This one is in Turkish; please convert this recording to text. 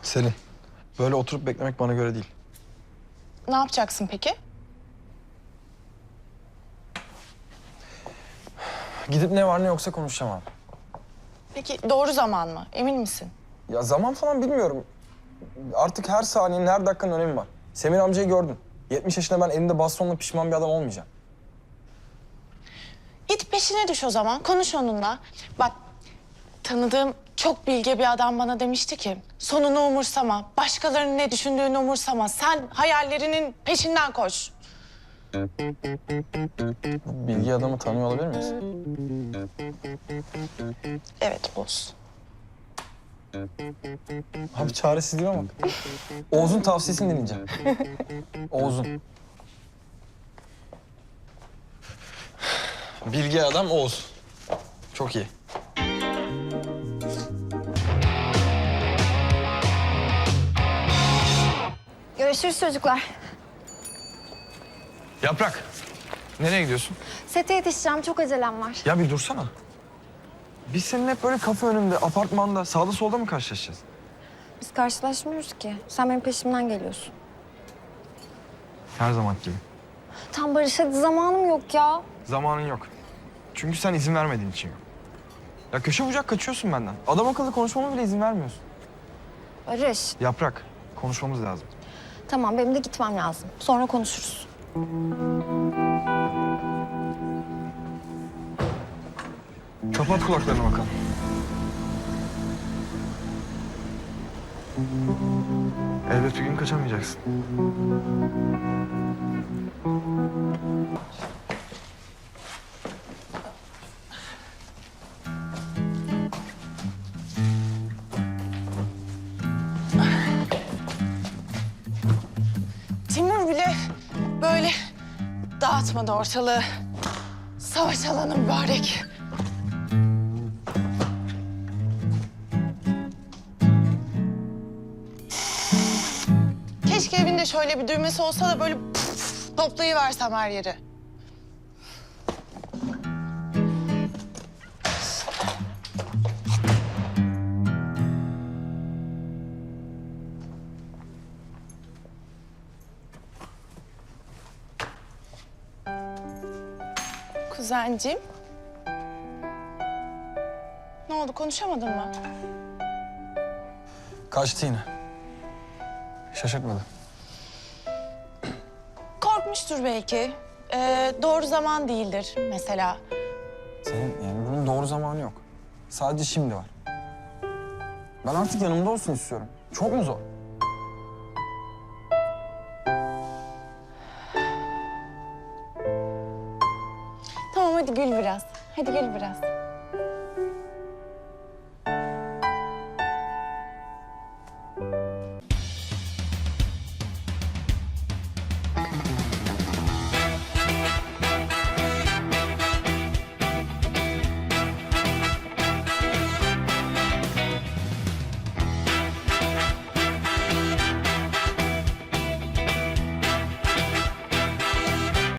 Selin, böyle oturup beklemek bana göre değil. Ne yapacaksın peki? Gidip ne var ne yoksa konuşacağım abi. Peki doğru zaman mı? Emin misin? Ya zaman falan bilmiyorum. Artık her saniyenin, her dakikanın önemi var. Semir amcayı gördün. 70 yaşında ben elimde bastonla pişman bir adam olmayacağım. Git peşine düş o zaman. Konuş onunla. Bak tanıdığım çok bilge bir adam bana demişti ki... ...sonunu umursama, başkalarının ne düşündüğünü umursama. Sen hayallerinin peşinden koş. Bu bilgi adamı tanıyor olabilir miyiz? Evet boz. Abi çaresizliğime bak. Oğuz'un tavsiyesini dinleyeceğim. Oğuz'un. Bilgi adam Oğuz. Çok iyi. Görüşürüz çocuklar. Yaprak, nereye gidiyorsun? Sete yetişeceğim, çok acelem var. Ya bir dursana. Biz seninle hep böyle kafe önünde, apartmanda, sağda solda mı karşılaşacağız? Biz karşılaşmıyoruz ki. Sen benim peşimden geliyorsun. Her zaman gibi. Tam Barış, hadi zamanım yok ya. Zamanın yok. Çünkü sen izin vermediğin için yok. Ya köşe bucak kaçıyorsun benden. Adam akıllı konuşmama bile izin vermiyorsun. Barış, Yaprak, konuşmamız lazım. tamam benim de gitmem lazım. Sonra konuşuruz. Kapat kulaklarını bakalım. Elbet bir gün kaçamayacaksın. Timur bile böyle dağıtmadı ortalığı. Savaş alanı mübarek. Keşke evinde şöyle bir düğmesi olsa da böyle toplayıversem her yeri. Kuzenciğim. Ne oldu, konuşamadın mı? Kaçtı yine. Şaşırtmadı. Korkmuştur belki. Doğru zaman değildir mesela. Senin yani bunun doğru zamanı yok. Sadece şimdi var. Ben artık yanımda olsun istiyorum. Çok mu zor? Tamam hadi gül biraz. Hadi gül biraz.